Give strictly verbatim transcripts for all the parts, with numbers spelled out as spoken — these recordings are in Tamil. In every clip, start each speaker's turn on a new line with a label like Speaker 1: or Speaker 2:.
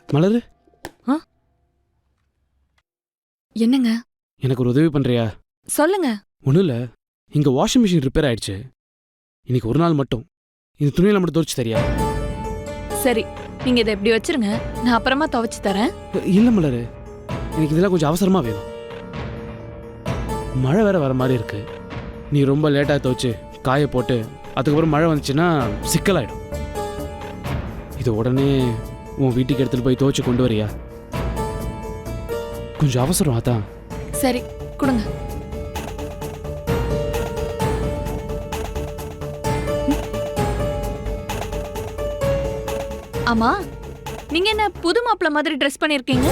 Speaker 1: மலரு,
Speaker 2: என்னங்க?
Speaker 1: எனக்கு ஒரு உதவி பண்றியா?
Speaker 2: சொல்லுங்க.
Speaker 1: ஒன்றும் இல்லை, இங்கே வாஷிங் மிஷின் ரிப்பேர் ஆயிடுச்சு. இன்னைக்கு ஒரு நாள் மட்டும் இந்த துணியில மட்டும் துவைச்சு தரியா?
Speaker 2: சரி, நீங்க இதை எப்படி வச்சிருங்க, நான் அப்புறமா துவைச்சு தரேன்.
Speaker 1: இல்லை மலரு, எனக்கு இதெல்லாம் கொஞ்சம் அவசரமா வேணும். மழை வேற வர மாதிரி இருக்கு. நீ ரொம்ப லேட்டாக துவைச்சு காய போட்டு அதுக்கப்புறம் மழை வந்துச்சுன்னா சிக்கலாயிடும். இது உடனே உன் வீட்டுக்கு எடுத்துட்டு போய் துவைச்சு கொண்டு வரியா? கொஞ்சம் அவசரம். அதான்.
Speaker 2: சரி, கொடுங்க. ஆமா, நீங்க என்ன புது மாப்பிள்ள மாதிரி ட்ரெஸ் பண்ணிருக்கீங்க?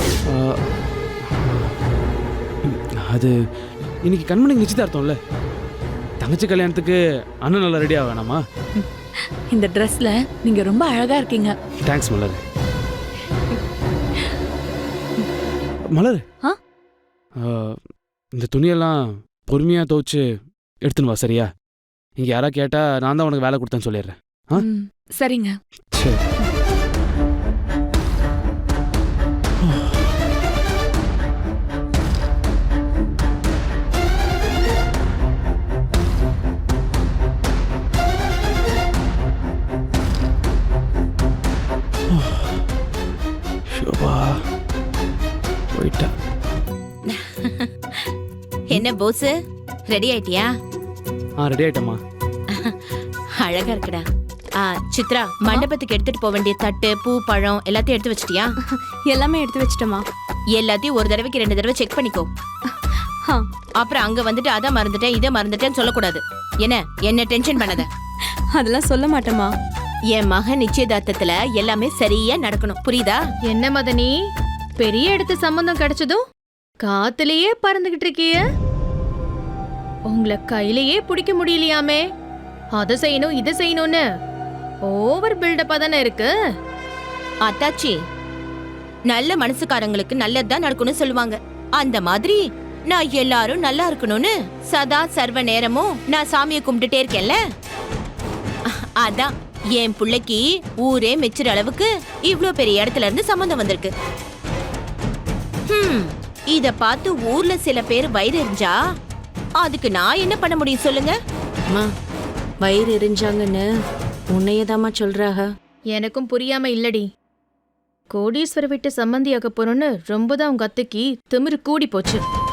Speaker 1: அது இன்னைக்கு கண்மணிக்கு நிச்சயதார்த்தம்ல, தங்கச்சி கல்யாணத்துக்கு அண்ணன் நல்லா ரெடி ஆக வேணாமா?
Speaker 2: இந்த ட்ரெஸ்ல நீங்க ரொம்ப அழகா இருக்கீங்க.
Speaker 1: தேங்க்ஸ் மலர். மலர், இந்த துணியெல்லாம் பொறுமையா துவைச்சு எடுத்துன்னு வா, சரியா? இங்க யாரா கேட்டா நான் தான் உனக்கு வேலை கொடுத்தேன்னு சொல்லிடுறேன்.
Speaker 2: சரிங்க.
Speaker 1: சரி. போயிட்டா.
Speaker 3: என்ன போஸ், ரெடி ஆயிட்டியா?
Speaker 1: ஆ, ரெடி ஆயிட்டமா.
Speaker 3: அழகா இருக்குடா. ஆ, சித்ரா, மண்டபத்துக்கு எடுத்துட்டு போக வேண்டிய தட்டு, பூ, பழம் எல்லாத்தையும் எடுத்து வச்சிட்டியா?
Speaker 4: எல்லாமே எடுத்து வச்சிட்டமா.
Speaker 3: எல்லாத்தையும் ஒரு தடவைக்கு ரெண்டு தடவை செக் பண்ணிக்கோ. அப்புறம் அங்க வந்துட்டு அதை மறந்துட்டேன் இதை மறந்துட்டேன்னு சொல்லக்கூடாது. என்ன என்ன டென்ஷன் பண்ணாத.
Speaker 4: அதெல்லாம் சொல்ல மாட்டேமா.
Speaker 3: என் மகன் நிச்சயதார்த்தத்துல எல்லாமே சரியா நடக்கணும், புரியுதா?
Speaker 5: என்ன மதனி, பெரிய இடத்து சம்பந்தம் கிடைச்சதும் காத்துலயே பறந்துகிட்டு இருக்கிய? உங்களை கையிலேயே பிடிக்க முடியலையாமே. அதை செய்யணும் இதை செய்யணும்னு ஓவர் பில்டப்பா தானே இருக்கு.
Speaker 3: அத்தாச்சி, நல்ல மனசுக்காரங்களுக்கு நல்லதுதான் நடக்கணும்னு சொல்லுவாங்க. அந்த மாதிரி நான் எல்லாரும் நல்லா இருக்கணும்னு சதா சர்வ நேரமும் நான் சாமியை கும்பிட்டுட்டே இருக்கேன்ல. அதான் என் பிள்ளைக்கு ஊரே மெச்சுற அளவுக்கு இவ்ளோ பெரிய இடத்துல இருந்து சம்பந்தம் வந்திருக்கு. ஹம், இத பார்த்து ஊர்ல சில பேர் வயிறு எரிஞ்சா அதுக்கு நான் என்ன பண்ண முடியும் சொல்லுங்க?
Speaker 6: வயிறு எரிஞ்சாங்கன்னு உன்னையதாமா சொல்றாக.
Speaker 5: எனக்கும் புரியாம இல்லடி. கோடீஸ்வர விட்டு சம்மந்தியாக போறோன்னு ரொம்பதான் உங்க அத்தைக்கு திமிரு கூடி போச்சு.